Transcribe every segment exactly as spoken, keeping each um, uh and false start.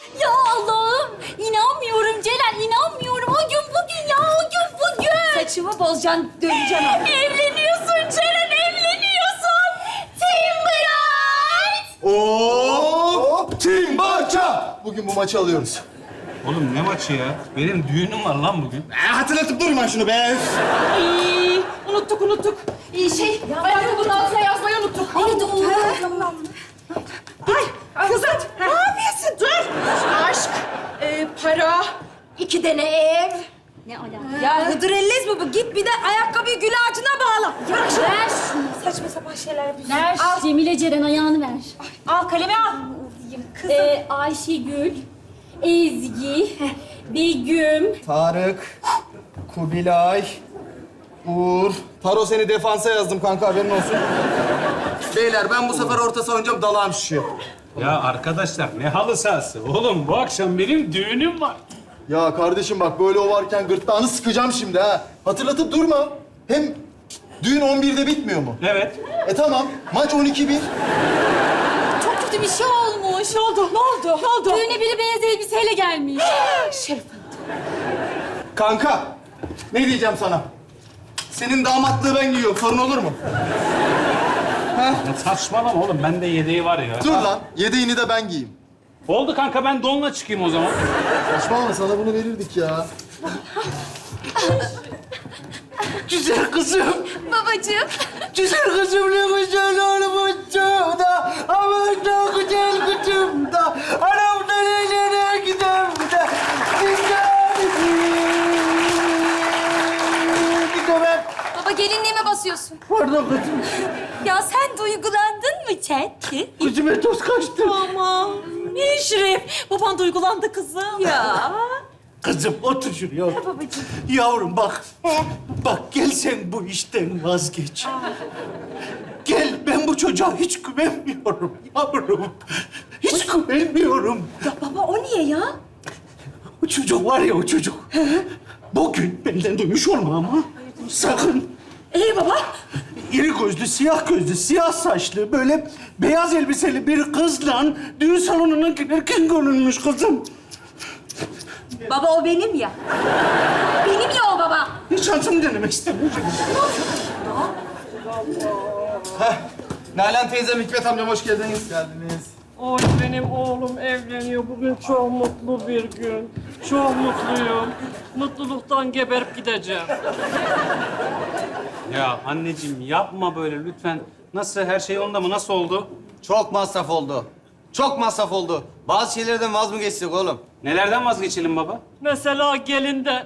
Ya Allah'ım, inanmıyorum Celal, inanmıyorum. O gün bugün ya, o gün bugün. Saçımı bozacaksın, döneceğim abi. Evleniyorsun Celal, evleniyorsun. Timberite! Oo! Timbaça! Bugün bu maçı alıyoruz. Oğlum ne maçı ya? Benim düğünüm var lan bugün. E, hatırlatıp durma şunu be. Ay, unuttuk, unuttuk. Ee, şey, ayakkabının altına yazmayı unuttuk. Ay doğru. Ay kızım ne yapıyorsun? Dur. Aşk, e, para, iki tane ev. Ne alaka? Ya Hıdrellez mi bu? Git bir de ayakkabıyı gül ağacına bağla. Bırak şunu. Ver şunu. Saçma sapan şeyler yapıyorsun. Ver, Al, Cemile Ceren ayağını ver. al kalemi al. Kızım. Ee, Ayşegül, Ezgi, Begüm. Tarık, Kubilay, Uğur. Taro seni defansa yazdım kanka, haberin olsun. Beyler ben bu sefer orta saha oynayacağım, dalağım şişiyor. Ya arkadaşlar ne halı sahası? Oğlum bu akşam benim düğünüm var. Ya kardeşim bak böyle o varken gırtlağını sıkacağım şimdi ha. Hatırlatıp durma. Hem düğün on birde bitmiyor mu? Evet. E tamam, maç on iki bir. Çok kötü bir şey olmuş. Ne oldu? Ne oldu? Ne oldu? Düğüne biri beyaz elbiseyle gelmiş. Şerif Kanka, ne diyeceğim sana? Senin damatlığı ben giyiyorum, sorun olur mu? Ya saçmalama oğlum. Bende yedeği var ya. Dur lan, yedeğini de ben giyeyim. Oldu kanka ben donla çıkayım o zaman. Saçmalama, sana bunu verirdik ya. Güzel kızım, Babacığım. güzel kızım ne güzel olmuş da. Aman ne güzel kızım da. Anam da nereye gider de. Gidelim. Baba gelinliğime basıyorsun. Pardon kızım, Ya sen duygulandın mı Çetki? gözüme toz kaçtı. Aman. Eşref, baban duygulandı kızım. Ya. Kızım otur şuraya. Otur. Babacığım. Yavrum bak. Bak gel sen bu işten vazgeç. Gel ben bu çocuğa hiç güvenmiyorum yavrum. Hiç güvenmiyorum. Ya baba o niye ya? O çocuk var ya o çocuk. Bugün benden duymuş olma ama. Sakın. Ee baba? İri gözlü, siyah gözlü, siyah saçlı, böyle beyaz elbiseli bir kızla düğün salonuna girerken görünmüş kızım. Baba o benim ya. Benim ya o baba. Hiç şansımı denemek istemiyorum. Heh. Nalan teyzem, Hikmet amcam hoş geldiniz. Geldiniz. Oy benim oğlum evleniyor. Bugün çok mutlu bir gün. Çok mutluyum. Mutluluktan geberip gideceğim. Ya anneciğim yapma böyle lütfen. Nasıl her şey onda mı? Nasıl oldu? Çok masraf oldu. Çok masraf oldu. Bazı şeylerden vaz mı geçtik oğlum? Nelerden vazgeçelim baba? Mesela gelinden.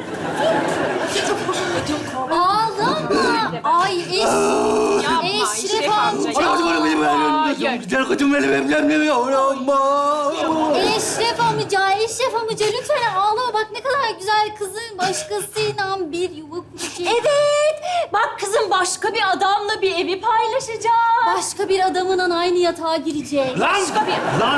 Ağlama. Ay eş... Yapma Eşref amca. Güzel kızım benim evlenmiyor. Eşref amca, Eşref amca lütfen ağlama. Bak ne kadar güzel kızın başkasıyla bir yuva kuracak. Evet. Bak kızım başka bir adamla bir evi paylaşacak. Başka bir adamınla aynı yatağa girecek. Lan! Lan!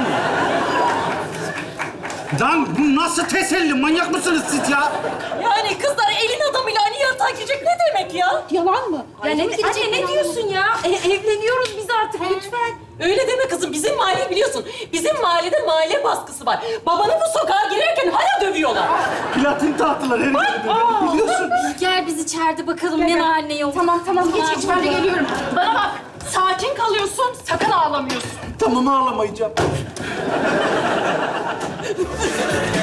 Lan bu nasıl teselli? Manyak mısınız siz ya? Yani kızlar elin adamıyla aynı yatağa girecek ne demek ya? Yalan mı? Ya Ay, ne, ne girecek anne ne yalan diyorsun ya? E, evleniyoruz biz artık lütfen. Öyle deme kızım. Bizim mahalle biliyorsun. Bizim mahallede mahalle baskısı var. Babanı bu sokağa girerken hala dövüyorlar. Platin tahtılar her yerde. Biliyorsun. Gel biz içeride bakalım ne var ne yok. Tamam tamam geç geç ben de geliyorum. Bana bak sakin kalıyorsun sakın ağlamıyorsun. Tamam ağlamayacağım.